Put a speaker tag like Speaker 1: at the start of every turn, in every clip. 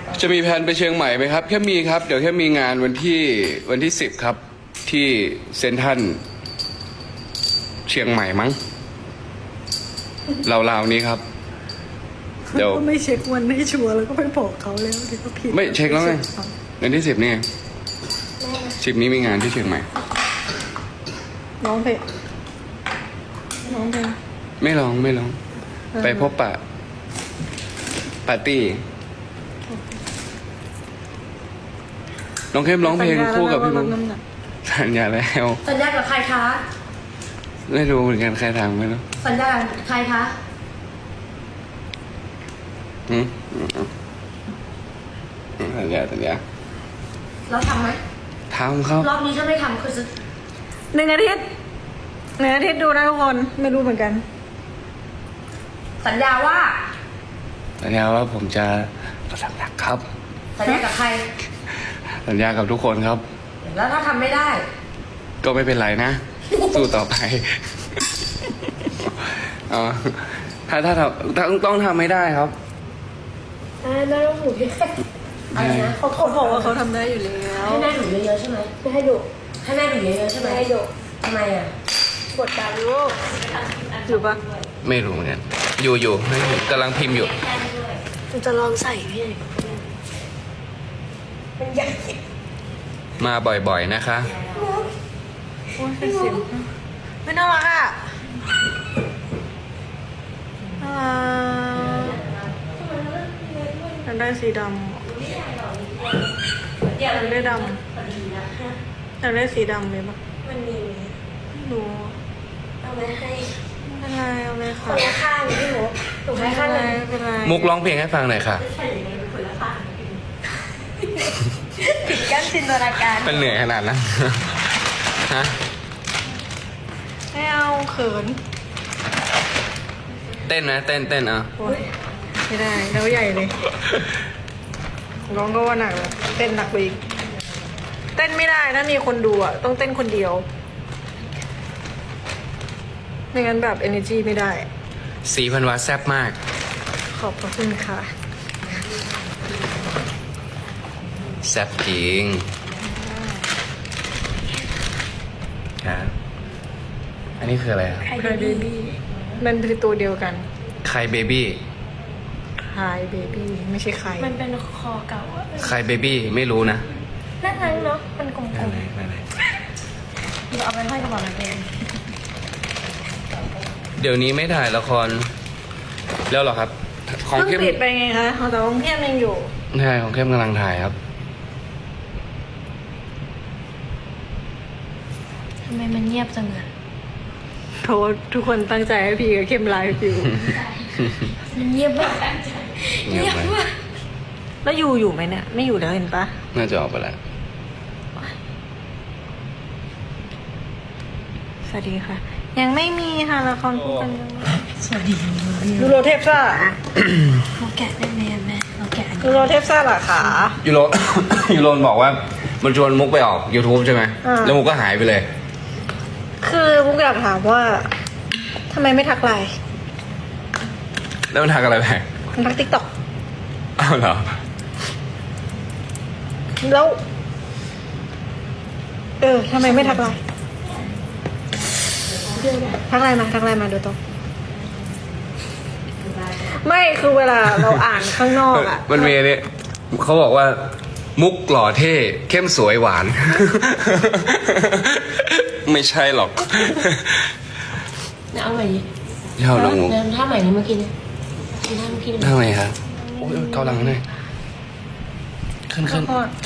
Speaker 1: จะมีแผนไปเชียงใหม่ไหมครับแค่มีครับเดี๋ยวแค่มีงานวันที่10ครับ ที่เซนทรัลเชียงใหม่มั้งราวๆนี้ครับเดี๋ยว
Speaker 2: ก็ไม่เช็ควันให้ชัวร์แล้วก็ไปบอกเขาแล้วที่เขาผิด
Speaker 1: ไม่เช็คแล้วไงวันที่10นี่ไง10นี้มีงานที่เชียงใหม่
Speaker 2: ร้องเพลงร้องเพลง
Speaker 1: ไม่ร้องไปพบปะปาร์ตี้น้องเข้มร้องเพลงคู่กับพี่มุกสัญญาแล้ว
Speaker 3: สัญญากับใครคะ
Speaker 1: ไม่รู้เหมือนกันใครทำไม่รู้
Speaker 3: สัญญากับใครคะ
Speaker 1: สัญญา
Speaker 3: แล้วทำไหม
Speaker 1: ทำครับ
Speaker 3: รอบนี้ถ้าไม่ทำคือจะ
Speaker 2: 1 อาทิตย์ดูนะทุกคนไม่รู้เหมือนกัน
Speaker 3: สัญญาว่า
Speaker 1: สัญญาว่าผมจะทำหนักครับ
Speaker 3: สัญญากับใคร
Speaker 1: สัญญากับทุกคนครับ
Speaker 3: แล้วถ้าทำไม่ได้
Speaker 1: ก็ไม่เป็นไรนะ สู้ต่อไปอ๋อถ้าต้องทำไม่ได้ครับ
Speaker 3: แม่ต้องหนูเยอะอะไรนะ
Speaker 2: เขาบอกว่าเขาทำได้อยู่แล้ว
Speaker 3: ให้แม่หนูเยอะๆใช่ไหม
Speaker 2: ไม่ให้ดุ
Speaker 3: ให้แม่หนูเยอะๆใช่ไหม
Speaker 2: ไม่ให้ดุ
Speaker 3: ทำไมอ่ะ
Speaker 2: กดดันลูกอยู่ปะ
Speaker 1: ไม่รู้เหมือนกันอยู่ไม่อยู่กำลังพิมพ์อยู่
Speaker 3: มันจะลองใส่พี่มันใหญ่
Speaker 1: มาบ่อยๆนะคะ
Speaker 2: โอ้ยเป็นสิวไม่น่ารักอ่ะน่ารักอยากได้สีดำอยากได้ดำอยากได้สีดำเลยปะ
Speaker 3: มันมีไหม
Speaker 2: ไม่รู้
Speaker 3: เอาไว้ให้
Speaker 2: ไม่เป็นไรเอาเลย
Speaker 3: ค
Speaker 2: ค่ะ
Speaker 3: นละข้างพี่หนูหนู
Speaker 2: ไม่
Speaker 3: ให้
Speaker 2: เป็
Speaker 3: ข้าง
Speaker 2: น
Speaker 3: ห
Speaker 2: ไร
Speaker 3: นึ่ง
Speaker 2: ไม่เป็นไร
Speaker 1: มุกร้องเพลงให้ฟังหน่อยค่ะ
Speaker 3: ปิดกั้นจินตนาการ
Speaker 1: เป็นเหนื่อยขนาดนั้น ฮะ
Speaker 2: ไม่เอาเขิน
Speaker 1: เต้นนะเต้นอ่ะ
Speaker 2: โอ๊ยไม่ได้แล้วใหญ่เลยร้องก็ว่าหนักแล้วเต้นหนักไปอีกเต้นไม่ได้ถ้ามีคนดูอ่ะต้องเต้นคนเดียวไม่งั้นแบบ energy ไม่ได้
Speaker 1: สีพันวาแซ่บมาก
Speaker 2: ขอบพระคุณค่ะ
Speaker 1: แซ่บจริงครับอันนี้คืออะไรครับ
Speaker 2: ไคเบบี้มันคือตัวเดียวกัน
Speaker 1: ไคเบบี้
Speaker 2: ไคเบบี้ไม่ใช่ใคร
Speaker 3: มันเป็นคอเก่าอะ
Speaker 1: ไคเบบี้ไม่รู้นะ
Speaker 3: น่ารักเนาะมันกลม
Speaker 1: อะไร
Speaker 3: ๆเราเอาไปห้อยกระเป๋าเราเอง
Speaker 1: เดี๋ยวนี้ไม่ถ่ายละครแล้วเหรอครับ ของ
Speaker 2: เพิ่ง
Speaker 1: เข้ม
Speaker 2: ปิดไปไงคะแต่ของเข้มยังอยู่
Speaker 1: ใช่ของเข้มกำลังถ่ายครับ
Speaker 3: ทำไมมันเงียบจังอะ
Speaker 2: เพราะว่าทุกคนตั้งใจให้พี่กับเข้มไลฟ์อยู่
Speaker 3: มันเงียบมาก
Speaker 1: เงียบไหม
Speaker 2: แล้วอยู่ไหมเนี่ยไม่อยู่แล้วเห็นปะ
Speaker 1: น่าจะออกไปแล้ว
Speaker 2: สวัสดีค่ะ ยังไม่มีค่ะละครคู่กันยังไม่
Speaker 3: สวัสดี
Speaker 2: ยูโรเทปซ่า
Speaker 3: เราแกะได้ไหมอะแม่เราแกะอันนี้
Speaker 2: ยูโรเทปซ่าเหรอคะ
Speaker 1: ยูโร ยูโรนบอกว่ามันชวนมุกไปออก YouTube ใช่ไหม
Speaker 2: อ่า
Speaker 1: แล้วมุกก็หายไปเลย
Speaker 2: คือมุกอยากถามว่าทำไมไม่ทักไลน์
Speaker 1: แล้วมันทักอะไรไป
Speaker 2: มันทักติ๊กต็อก
Speaker 1: อ้าวเหรอ
Speaker 2: แล้วทำไมไม่ทักไลน์ทักไลน์มาดูตรงไม่คือเวลาเราอ่านข้างนอกอ่ะ
Speaker 1: มันมีเนี่ยเขาบอกว่า มุกหล่อเท่ เข้มสวยหวาน ไม่ใช่หรอก
Speaker 3: เนี่ยเอาใหม่ดิ
Speaker 1: เท่าลงมุก
Speaker 3: เนี่ยท่าใหม่นี้เมื่อกี้เนี่ยท่าเมื่อกี้เนี่ย
Speaker 1: ทำไมครับโอ้ยเกาหลังหน่อยขึ้นอีก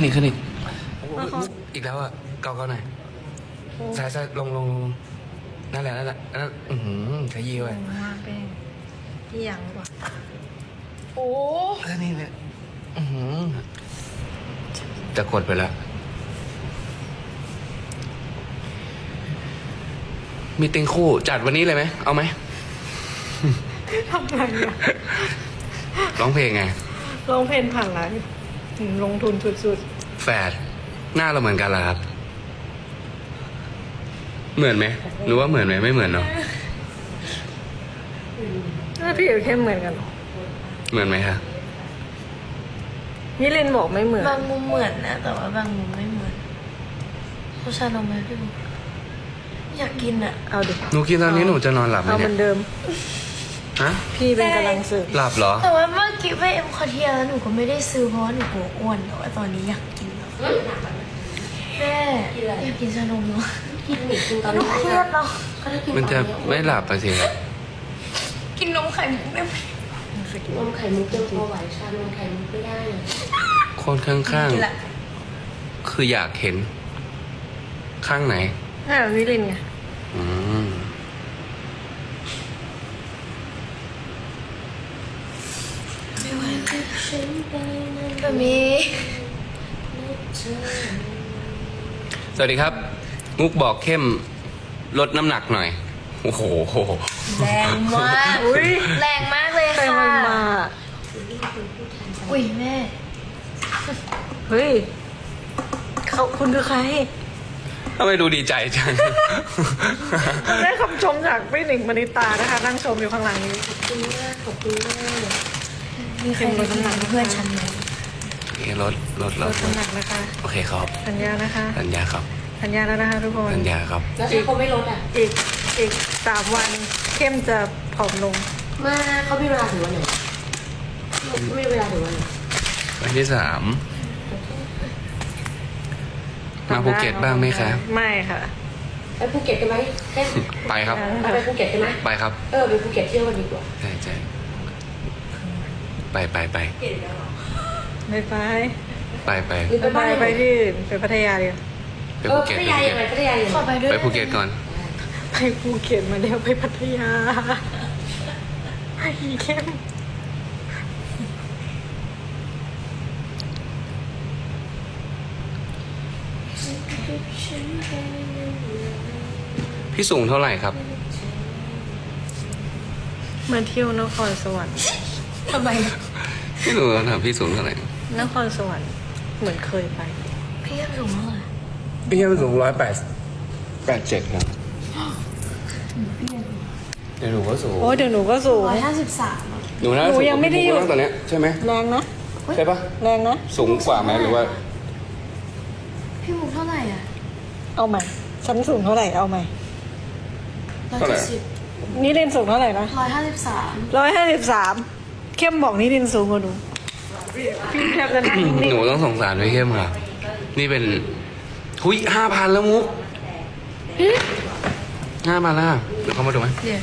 Speaker 1: อีกแล้วอ่ะเกาหน่อยซ้ายลงนั่นแหละขยี้ไว้
Speaker 2: มาเป็นที่ยังกว่า
Speaker 3: โอ้
Speaker 1: แล้วนี่เนี่ยจะกดไปแล้วมีติงคู่จัดวันนี้เลยไหมเอาไหม
Speaker 2: ทำไงอะ
Speaker 1: ร้องเพลงไง
Speaker 2: ร้องเพลงผ่านไลฟ์ลงทุนสุด
Speaker 1: แฝดหน้าเราเหมือนกันเหรอครับ เหมือนไหมหรือว่าเหมือนไหมไม่เหมือนเนาะ
Speaker 2: ๆหน้าพี่กับเข้มเหมือนกันเหรอ
Speaker 1: เหมือนไหมคะ
Speaker 2: มิลินบอกไม่เหมือน
Speaker 3: บางมุมเหมือนนะแต่ว่าบางมุมไม่เหมือนเขาชานมไหมพี่บุ๊คอยากกินอ่ะ
Speaker 2: เอาดิ
Speaker 1: หนูกินตอนนี้หนูจะนอนหลับไหม
Speaker 2: เอาเห
Speaker 1: เนี่
Speaker 2: มือย นเดิม
Speaker 1: ฮะ
Speaker 2: พี่เป็นกำลังสื่อ
Speaker 1: หลับเหรอ
Speaker 3: แต่ว่าเมื่อกี้ไปเอ็มคอเทียแล้วหนูก็ไม่ได้ซื้อเพราะว่าหนูกลัวอ้วนแต่ว่าตอนนี้อยากกินแล้วแม่อยากกินชานมเนาะ
Speaker 4: กินหมี่กินตอน
Speaker 3: หนู
Speaker 4: นี้
Speaker 3: เครียดเนาะ
Speaker 4: ก็ถ้ากิน
Speaker 1: มันจะไม่หลับไปสิครับ
Speaker 3: กินนมไข่มุกได้ไหม
Speaker 4: นมไข่มุกยังพอไหวชานมไข่มุกไม่ได้นะ
Speaker 1: คนข้าง
Speaker 3: กินละ
Speaker 1: ๆ คืออยากเห็น ข้างไหน
Speaker 2: มิลินไง
Speaker 1: อืม
Speaker 3: แบบนี้
Speaker 1: สวัสดีครับ มุกบอกเข้มลดน้ำหนักหน่อย โอ้โห
Speaker 3: แรงมากอุ้ยแรงมากเลย
Speaker 2: ใคร
Speaker 3: ค่ะ
Speaker 2: มันมา
Speaker 3: อุ้ยแม่
Speaker 2: เฮ้ยเขาคุณคือใคร
Speaker 1: ทำไมดูดีใจจัง
Speaker 2: เราได้คำชมจากพี่หนิงมณิตานะคะ นั่งชมอยู่ข้างหลังนี้
Speaker 4: ขอบคุณมากขอบคุณมาก
Speaker 3: มีใครลดน้ำหนักเพื่อนฉันไหม
Speaker 1: โอเคลด
Speaker 2: ลดน้ำหนักนะคะ
Speaker 1: โอเคครับ
Speaker 2: สัญญานะคะ
Speaker 1: สัญญาครับ
Speaker 2: สัญญาแล้วนะคะทุกคน
Speaker 1: สัญญาครับ
Speaker 4: แล้วถ้าเขาไม่ลดอ่ะ
Speaker 2: อีก3 วันเข้มจะผอมลง
Speaker 4: มาเขามีเวลาถึงวันไหนไม่มีเวลาถึงวันไหน
Speaker 1: วันที่ 3 มาภูเก็ตบ้างไหมคะ
Speaker 2: ไม่ค่ะ
Speaker 4: ไปภูเก็ตกันไหมแค่
Speaker 1: ไปครับ
Speaker 4: เอาไปภูเก็ตกันไหม
Speaker 1: ไปครับ
Speaker 4: ไปภูเก็ตเที่ยวกันดีกว่า
Speaker 1: ใช่ใช่ไป
Speaker 2: ไม่ไป
Speaker 4: หรือไปบ้าน
Speaker 2: ไปที่อื่นไปพัทยาดีกว่า
Speaker 1: ไป
Speaker 4: เอ
Speaker 1: ภู
Speaker 4: อ
Speaker 1: เก็
Speaker 4: พั
Speaker 1: ต
Speaker 4: ทยายังไงพัทยายัง
Speaker 3: ขอ
Speaker 4: ไง
Speaker 3: ไปด้วย
Speaker 1: ไปภูเก็ตก่อน
Speaker 2: ไปภูเก็ตมาแล้วไปพัทยาอีเข้ม
Speaker 1: พี่สูงเท่าไหร่ครับ
Speaker 2: มาเที่ยวนครสวรรค์
Speaker 3: ทำไม
Speaker 1: พี่สูงถามพี่สูงเท่าไหร่
Speaker 2: นครสวรรค์เหมือนเคยไป
Speaker 3: พี่ยังสูงเท่าไหร่
Speaker 1: พี่สูง187ครับเดี๋ยวหนูก็สูง
Speaker 2: โอ้เดี๋ยวหนูก็สูง
Speaker 3: 153
Speaker 1: หนูน่า
Speaker 2: หนู
Speaker 1: สูง
Speaker 2: ยังไม่ได้หยุด
Speaker 1: ตอนเนี้ยใช่ไหม
Speaker 2: แรงนะ
Speaker 1: ใช่ปะ
Speaker 2: แรงนะ
Speaker 1: สูงกว่าไหมหรือว่า
Speaker 3: พี่มุกเท่าไหร่อ่ะ
Speaker 2: เอาใหม่ฉันสูงเท่าไหร่เอาใหม่
Speaker 3: 170
Speaker 2: นี่เรียนสูงเท่าไหร่นะ
Speaker 3: 153
Speaker 2: 153เข้มบอกนี่เรียนสูงกว่าหนูพี่แทบจะนั่งนิ่ง
Speaker 1: หนูต้องสงสารไว้เข้มค่ะ นี่เป็นหุย5,000แล้วมุก5,000แล้วเดี๋ยวเข้ามาดูไหม
Speaker 2: ๆเดี๋ยว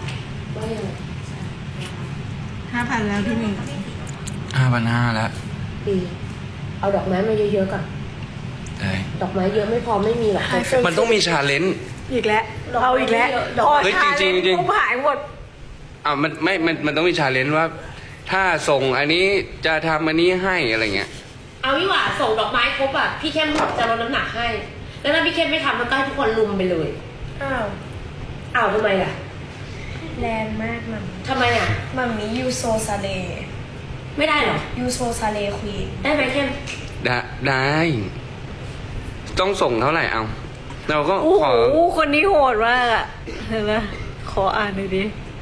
Speaker 2: 5,000แล้วพี่หนึ่ง
Speaker 1: 5,500แล้ว
Speaker 4: ดีเอาดอกไม้มาเยอะๆก่อน
Speaker 1: ใช่
Speaker 4: ดอกไม้เยอะไม่พอไม่มีหรอก
Speaker 1: มันต้องมีชาเลนจ์
Speaker 2: อีกแล้วเอาอีกแล้ว
Speaker 1: เฮ้ยจริงๆจริงๆ
Speaker 2: ปุ๊บหายหมด
Speaker 1: มันไม่มันต้องมีชาเลนจ์ว่า ถ้าส่งอันนี้จะทำอันนี้ให้อะไรเงี้ย
Speaker 4: เอาวิว่าส่งดอกไม้ครบอ่ะพี่เข้มจะลดน้ำหนักให้ แล้วถ้าพี่เข้มไม่ทำมันก็ให้ทุกคนลุมไปเลย
Speaker 3: อ้าว
Speaker 4: อ้าวทำไมล่ะ
Speaker 3: แรงมากมัน
Speaker 4: ทำไมอ่ะ
Speaker 3: มัมมี่ยูโซซาเล
Speaker 4: ไม่ได้เหรอ
Speaker 3: ยูโซซาเลควีน
Speaker 4: ได้ไหมเข้ม
Speaker 1: ได้ ต้องส่งเท่าไหร่เอา เราก็
Speaker 2: โอ้
Speaker 1: ข
Speaker 2: โห
Speaker 1: อ
Speaker 2: คนนี้โหดมากอ่ะเห็นไหมขออ่านหน่อยดิ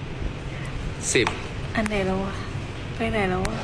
Speaker 1: 10
Speaker 2: อันไหนแล้ววะไปไหนแล้ววะ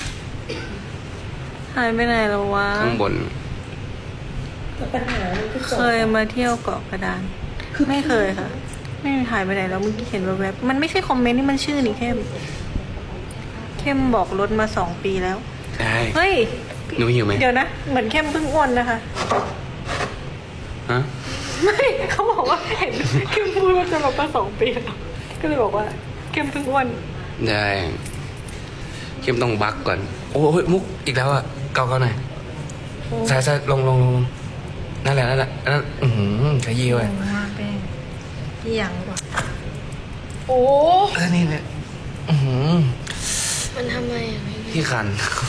Speaker 2: หายไปไหนแล้ววะ
Speaker 1: ข้างบน
Speaker 4: ปัญหามันคือ
Speaker 2: เคยมาเที่ยวเกาะกระดานไม่เคยค่ะ ไม่หายไปไหนแล้วเมื่อกี้เห็นแวบๆมันไม่ใช่คอมเมนต์นี่มันชื่อนี่เข้มบอกลดมา2 ปีแล้ว
Speaker 1: ได้
Speaker 2: เฮ้ย
Speaker 1: หนูหิวไหม
Speaker 2: เดี๋ยวนะ เหมือนเข้มเพิ่งอ้วนนะคะ
Speaker 1: ฮะ
Speaker 2: ไม่เขาบอกว่าเห็นเข้มพูดว่าจะลดมา2 ปีแล้วก็เลยบอกว่าเข้มเพิ่งอ้วน
Speaker 1: ได้เข้มต้องบักก่อน โอ้ยมุกอีกแล้วอ่ะเกาหน่อยใส่ลงนั่นแหละนั่นขยี้ไว้
Speaker 2: มากแป้งที่ยังวะ
Speaker 3: โอ้
Speaker 1: แล้วนี่เนี่ย
Speaker 3: มันทำไมอ่ะไม่
Speaker 1: พี่คัน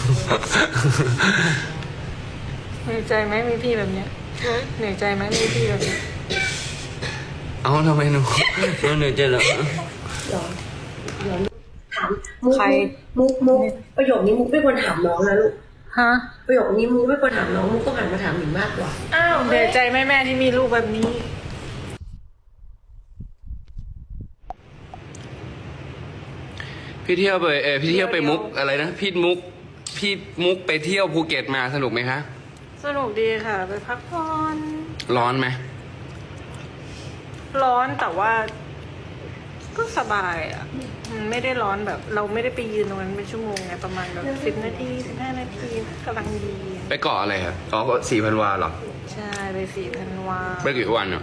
Speaker 2: เหนื่อยใจไหมมีพี่แบบเนี้ย
Speaker 3: ฮะ
Speaker 2: เหนื่อยใจไหมมีพี่แบบเนี้ย
Speaker 1: เอาทำไมหนูเหนื่อยใจเหรอ
Speaker 4: ถามมุกประโยคนี้มุกไม่ควรถามน้องนะลูก
Speaker 2: ฮะ
Speaker 4: ประโยคนี้มุกไม่ควรถามน้องมุกต้องหันมาถามหนิงมากกว่า
Speaker 3: อ้าว
Speaker 2: เหนื่อยใจไหมแม่ที่มีลูกแบบนี้
Speaker 1: พี่เที่ยวไปมุกอะไรนะพี่มุกพี่มุกไปเที่ยวภูเก็ตมาสนุกไหมคะ
Speaker 2: สนุกดีค่ะ ไปพักผ่อน
Speaker 1: ร้อนไหม
Speaker 2: ร้อนแต่ว่า ก็สบายอ่ะมันไม่ได้ร้อนแบบ เราไม่ได้ไปยืนตรงนั้นเป็นชั่วโมงไงประมาณแบบ10 นาที15 นาทีกำลังดี
Speaker 1: ไปเกาะอะไรครับอ๋อก็4,000 วาเหรอ
Speaker 2: ใช่ไป4,000 วา
Speaker 1: ไปกี่วันอ่ะ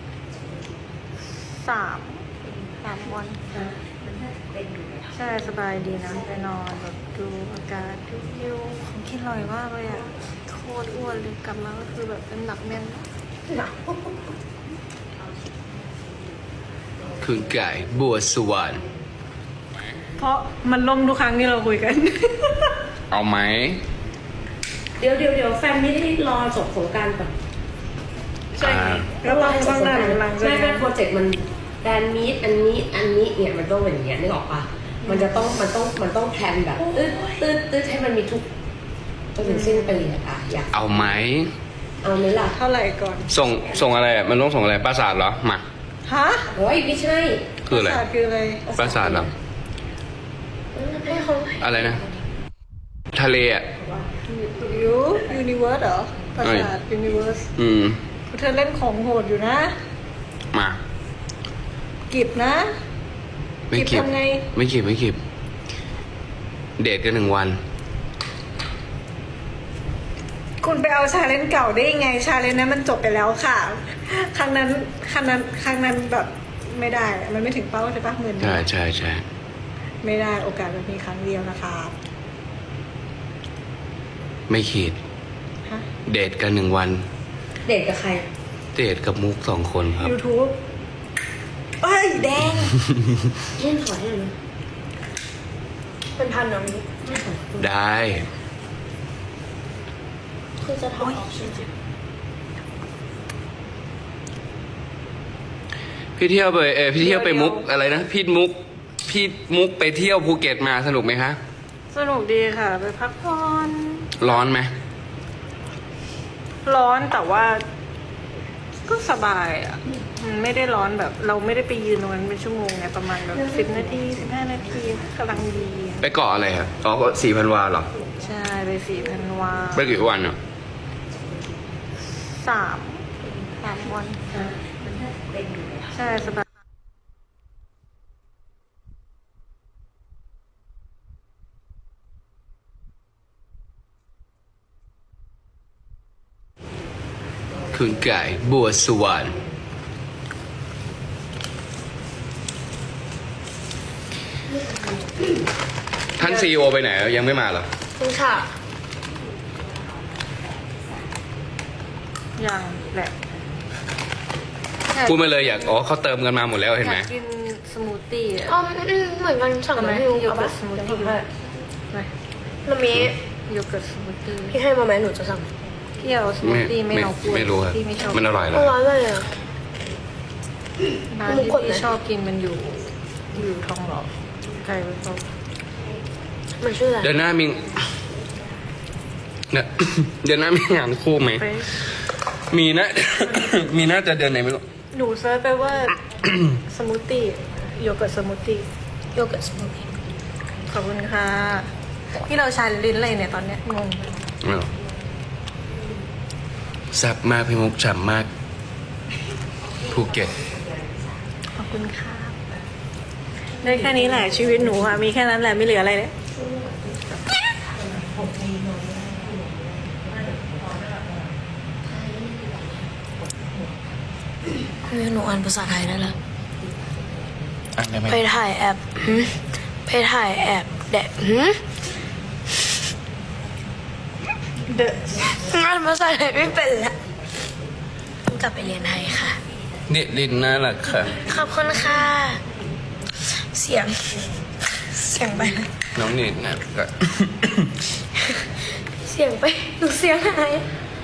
Speaker 2: 3 วันใช่สบายดีนะไปนอนแบบดูอากาศดูวิวของกินอร่อยมากเลยอ่ะโคตรอ้วนเลยกลับมาก็คือแบบเป็นหนักแน่น
Speaker 1: คุณไก่บัวสวรรค์
Speaker 2: เพราะมันล่มทุกครั้งที่เราคุยกัน
Speaker 1: เอาไหม
Speaker 4: เดี๋ยวแฟนไม่ได้รอจบสงกรารก่อน
Speaker 2: ใช่แล้วเราต้องนานหลังจาก
Speaker 4: ไม่
Speaker 2: นั้
Speaker 4: ไม่
Speaker 2: น
Speaker 4: โปรเจกต์มันแดนมีดอันนี้เนี่ยมันต้องเป็นอย่างเงี้ยนึกออกปะมันต้องแพลนแบบตืดให้มันมีทุกจนถึงสิ้นปีอะอยาก
Speaker 1: เอาไหม
Speaker 4: เอาไหมล่ะ
Speaker 2: เท่าไหร่ก่อน
Speaker 1: ส่งอะไรอ่ะมันต้องส่งอะไรปราสาทเหรอมา
Speaker 2: ฮะ
Speaker 4: โอ้ยไม่ใช่
Speaker 1: คืออะไร
Speaker 2: ภาษาคืออะไร
Speaker 1: ปราสาทเหรอ
Speaker 3: ให้เขา
Speaker 1: อะไรนะ ทะเลอ่ะ
Speaker 2: ยูนิเวิร์สเหรอภาษายูนิเวิร์ส เธอเล่นของโหดอยู่นะ
Speaker 1: มา
Speaker 2: กิบนะ
Speaker 1: ไม่เก็บ
Speaker 2: ทำไง
Speaker 1: ไม่เก็บเดทกัน1 วัน
Speaker 2: คุณไปเอาชาเลนจ์เก่าได้ยังไง ชาเลนจ์นั้นมันจบไปแล้วค่ะ ครั้งนั้นแบบไม่ได้ มันไม่ถึงเป้าใช่ปะเหมือน
Speaker 1: ใช่
Speaker 2: ไม่ได้โอกาสมันมีครั้งเดียวนะคะ
Speaker 1: ไม่ขีด
Speaker 2: ฮะ
Speaker 1: เดทกัน1 วัน
Speaker 4: เดทกับใคร
Speaker 1: เดทกับมุก2 คนครับ
Speaker 2: YouTube เอ้ยแดง
Speaker 4: เล่นขอให้หน่อยนะ
Speaker 3: เป็นพันน้องนี้
Speaker 1: ได้
Speaker 3: คือจะทำออกใช่ไหม
Speaker 1: พี่เที่ยวไปมุกอะไรนะพี่มุกไปเที่ยวภูเก็ตมาสนุกไหมคะ
Speaker 2: สนุกดีค่ะ ไปพักผ่อน
Speaker 1: ร้อนไหม
Speaker 2: ร้อนแต่ว่า ก็สบายอ่ะมันไม่ได้ร้อนแบบ เราไม่ได้ไปยืนตรงนั้นเป็นชั่วโมงไงประมาณแบบ10 นาที15 นาทีกำลังดี
Speaker 1: ไปเกาะอะไรครับอ๋อก็4,000 วาเหรอ
Speaker 2: ใช่ไป4,000 วา
Speaker 1: ไปกี่วันอ่ะ
Speaker 2: 3 วันใช่สบาย
Speaker 1: คุณไก่บัวสวรรค์ท่านซีโอไปไหนยังไม่มาเหรอ
Speaker 3: คุณค่ะ
Speaker 2: อย่างแหละ
Speaker 1: พูดมาเลยเขาเติมกันมาหมดแล้วเห็นไหม
Speaker 2: อยากกินสมูทตี้อ่ะ
Speaker 3: อ๋อเหมือนกันสั่ง
Speaker 2: ทำไม
Speaker 3: มาให้
Speaker 2: โย
Speaker 3: เอา
Speaker 2: เกิ
Speaker 3: ปะ
Speaker 2: ร์ตสมูทตี้
Speaker 3: ให้
Speaker 2: ไป
Speaker 3: มันมี
Speaker 2: โยเกิร์ตสมูทตี้
Speaker 3: พี่ให้มาไหมหนูจะสั่ง
Speaker 2: พี่เอาสมูทตี้ไม่เอากล้วย
Speaker 1: ไม่รู้ครับ
Speaker 2: พี่ไม่ชอบ
Speaker 1: มันอร่อยเหร
Speaker 3: อ
Speaker 1: อ
Speaker 3: ร่อยเลยอ่ะ
Speaker 2: ร้านที่พี่ชอบกินมันอยู่ทองหล่อไก่ไปตก
Speaker 3: มันชื่ออะไร
Speaker 1: เดือนหน้ามีเนี่ย เดือนหน้ามีงานคู่ไหม
Speaker 2: ไป
Speaker 1: มีนะ มีน่าจะเดือนไหนไม่รู้
Speaker 2: หนูเซิร์ชไปว่า สมูทตี้โยเกิร์ตสมูทตี้
Speaker 3: โยเกิร์ตสมูทตี้
Speaker 2: ขอบคุณค่ะที่เราชาลิ้นอะไรเนี่ยตอนเนี้ยงง
Speaker 1: ไม่หรอกแซ่บมากพี่มุกฉ่ำมากภูเก็ต
Speaker 2: ขอบคุณค่ะได้แค่นี้แหละชีวิตหนูอะมีแค่นั้นแหละไม่เหลืออะไรเลย
Speaker 3: หนูอ่านภาษาไทยได้แล้ว
Speaker 1: อ่านได้ไหม
Speaker 3: ไปถ่ายแอปไปถ่ายแอปแดด
Speaker 2: เดอะ
Speaker 3: อ่านภาษาไทยไม่เป็นละต้องกลับไปเรียนไทยค่ะ
Speaker 1: นี่ลินน่ารักค่ะ
Speaker 3: ขอบคุณค่ะ เสียงไปนะ
Speaker 1: น้องนิดนะก็
Speaker 3: เสียงไปหนูเสียงหาย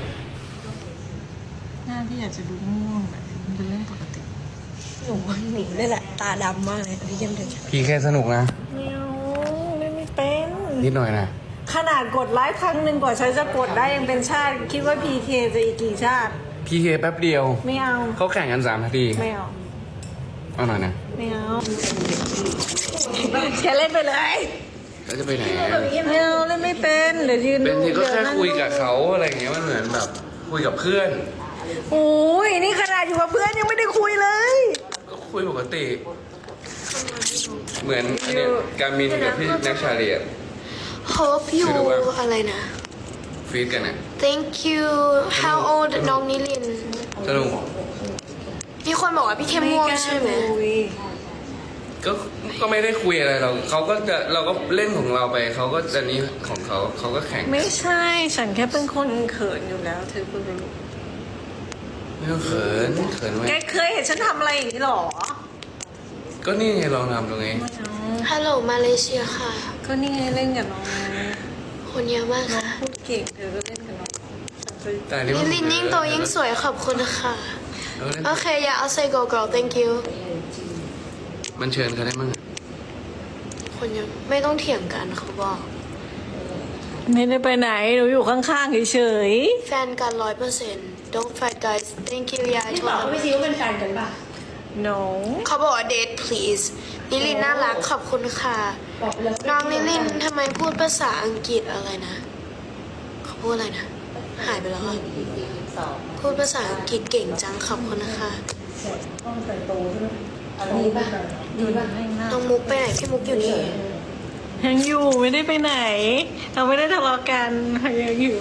Speaker 2: หน้าพี่อยากจะดูง่วงแบบมันเป็นเรื่องปกติ
Speaker 3: หนูว่าหนูนี่แหละตาดำมากเลยพี่เยี่ยมเดิน
Speaker 1: พี่แค่สนุกนะ
Speaker 2: ไม่เอาไม่เป็น
Speaker 1: นิดหน่อยนะ
Speaker 2: ขนาดกดไลค์ครั้งหนึ่งกว่าฉันจะกดได้ยังเป็นชาติ คิดว่า PK จะอีกกี่ชาติ
Speaker 1: พี่เคแป๊บเดียว
Speaker 2: ไม่เอา
Speaker 1: เขาแข่งกัน3 นาที
Speaker 2: ไม่เอา
Speaker 1: เอาหน่อยนะ
Speaker 2: ไม่เอาแกเล่นไปเลย
Speaker 1: แล้วจะไปไหนอะ
Speaker 2: ไม่เอาเล่นไม่เป็นเดี๋ยวยืน
Speaker 1: เป็น
Speaker 2: ดู
Speaker 1: ทีก็แค่
Speaker 2: นั่ง
Speaker 1: คุยกับเขาอะไรอย่างเงี้ยมันเหมือนแบบคุยกับเพื่อน
Speaker 2: โอ้ยนี่ขนาดอยู่กับเพื่อนยังไม่ได้คุยเลย
Speaker 1: ก็คุยปกติ เหมือนอันเนี้ยการมินกับพี่นักชาเลีย
Speaker 3: hope you
Speaker 1: ไม่รู้ว่า
Speaker 3: อะไรนะ
Speaker 1: ฟีดกันอ่ะ
Speaker 3: thank you how old น้องนิลิน
Speaker 1: สนุก
Speaker 3: มีคนบอกว่าพี่เข้มม่วงใช่ไหม
Speaker 1: ก็ไม่ได้คุยอะไรเราเขาก็จะเราก็เล่นของเราไปเขาก็จะนี้ของเขาเขาก็แข่ง
Speaker 2: ไม่ใช่ ฉันแค่เป็นคนเขินอยู่แล้วเธอเพิ่งรู้
Speaker 1: ไม่ต้องเขินไว้
Speaker 2: แกเคยเห็นฉันทำอะไรอย่างนี้หรอ
Speaker 1: ก็นี่ไงลองทำตรงนี้
Speaker 3: ฮัลโหลมาเลเซียค่ะ
Speaker 2: ก็นี่ไงเล่นกับน้องไง
Speaker 3: คนเยอะมาก
Speaker 2: น้อง
Speaker 3: ค่ะ
Speaker 2: พูดเก่งเธอก็เล่นกับน้องฉันจะ
Speaker 1: แต่อันนี้
Speaker 3: นิลินยิ่งโตยิ่งสวยขอบคุณค่ะ
Speaker 1: เราเล่น
Speaker 3: โอเคอย่าเอา say go girl thank you
Speaker 1: มันเชิญเขาได้มั้ง
Speaker 3: คนยังไม่ต้องเถียงกันเขาบอก
Speaker 2: ไม่ได้ไปไหนหนูอยู่ข้างๆเฉย
Speaker 3: แฟนกัน100% don't fight guys thank you ยาย
Speaker 4: นี่
Speaker 3: โท
Speaker 4: บอก
Speaker 3: ร
Speaker 4: เขาไม่ซีว่าเป็นแฟนกันป่ะ
Speaker 2: ๆ no
Speaker 3: เขาบอกว่า date please นิลินน่ารักขอบคุณค่ะ
Speaker 4: บอกไปแล้ว
Speaker 3: น้องนิลินทำไมพูดภาษาอังกฤษอะไรนะ เขาพูดอะไรนะ หายไปแล้วอะพูดภาษาอังกฤษเก่งจังขอบคุณนะคะ
Speaker 4: ดีป่ะดีป่ะ
Speaker 3: น้องมุกไปไหนพี่มุกอยู่นี่
Speaker 2: ยังอยู่ไม่ได้ไปไหน เราไม่ได้ทะเลาะกันยังอยู่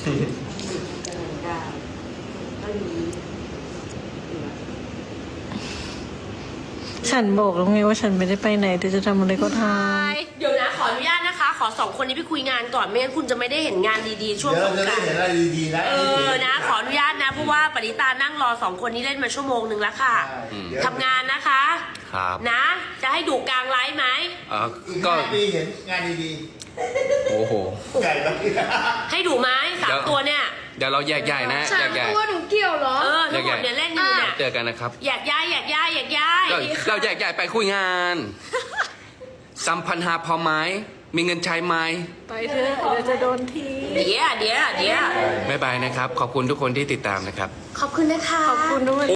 Speaker 2: ฉันบอกแล้วไงว่าฉันไม่ได้ไปไหนเธอจะทำอะไรก็ท
Speaker 4: เดี๋ยวนะขออนุญาตนะคะ ขอ2คนนี้ไปคุยงานก่อนไม่งั้นคุณจะไม่ได้เห็นงานดีๆช่วง
Speaker 5: เดี๋ยว
Speaker 4: ส
Speaker 5: เรา
Speaker 4: ง
Speaker 5: จะ
Speaker 4: ก
Speaker 5: ได้
Speaker 4: ราน
Speaker 5: เห็น
Speaker 4: ต์
Speaker 5: อะไรดีๆนะ
Speaker 4: นะ ขออนุญาตนะเพราะว่าปณิตานั่งรอ2คนนี้เล่นมาชั่วโมงหนึ่งแล้วค่ะ
Speaker 5: เดี๋ยว
Speaker 4: ทำงานนะคะ
Speaker 1: ครับ
Speaker 4: นะ จะให้ดูกลางไลฟ์ไหม
Speaker 1: ก็
Speaker 5: งานดีเห็นงานดี
Speaker 1: โอ้โห
Speaker 5: ๆไก่แล้ว
Speaker 4: ให้ดูไหมสามตัวเนี่ย
Speaker 1: เดี๋ยวเราแยกย้ายนะแยกย้าย
Speaker 3: หนูเกี่ยวเหรอ
Speaker 4: ทั้งหมดเนี่ยเล่นอยู่เนี่ย
Speaker 1: เจอกันนะครับ
Speaker 4: อยากย้ายอยากย้ายอยากย้าย
Speaker 1: เราแยกย้ายไปคุยงานสัมพันธ์หาพอไหมมีเงินใช้ไหม
Speaker 2: ำไปเถอะเดี๋ยวจะโดนที
Speaker 4: เดี๋ยว
Speaker 1: บ๊ายบายนะครับ ขอบคุณทุกคนที่ติดตามนะครับ
Speaker 4: ขอบคุณนะคะ
Speaker 2: ขอบคุณด้วย